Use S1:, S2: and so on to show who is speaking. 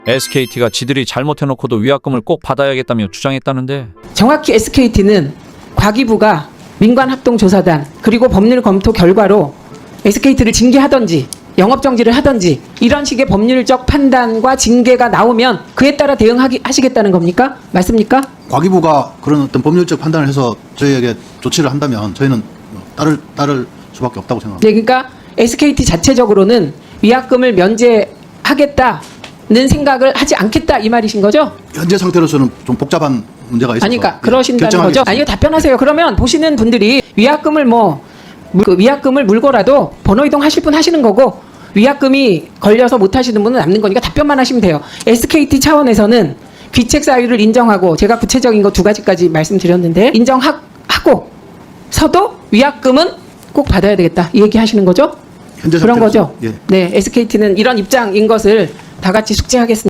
S1: SKT가 지들이 잘못해놓고도 위약금을 꼭 받아야겠다며 주장했다는데
S2: 정확히 SKT는 과기부가 민관합동조사단 그리고 법률 검토 결과로 SKT를 징계하던지 영업정지를 하던지 이런 식의 법률적 판단과 징계가 나오면 그에 따라 대응하시겠다는 겁니까? 맞습니까?
S3: 과기부가 그런 어떤 법률적 판단을 해서 저희에게 조치를 한다면 저희는 따를 수밖에 없다고 생각합니다.
S2: 네, 그러니까 SKT 자체적으로는 위약금을 면제하겠다는 생각을 하지 않겠다 이 말이신 거죠?
S3: 현재 상태로서는 좀 복잡한 문제가 있어서
S2: 아니까 그러신다는 거죠?
S3: 결정하겠습니다.
S2: 아니요, 답변하세요. 그러면 보시는 분들이 위약금을 그 위약금을 물고라도 번호 이동하실 분 하시는 거고 위약금이 걸려서 못 하시는 분은 남는 거니까 답변만 하시면 돼요. SKT 차원에서는 귀책 사유를 인정하고 제가 구체적인 거 두 가지까지 말씀드렸는데 인정하고 서도 위약금은 꼭 받아야 되겠다 이 얘기 하시는 거죠?
S3: 현재
S2: 그런
S3: 상태로서,
S2: 거죠?
S3: 예.
S2: 네, SKT는 이런 입장인 것을 다 같이 숙지하겠습니다.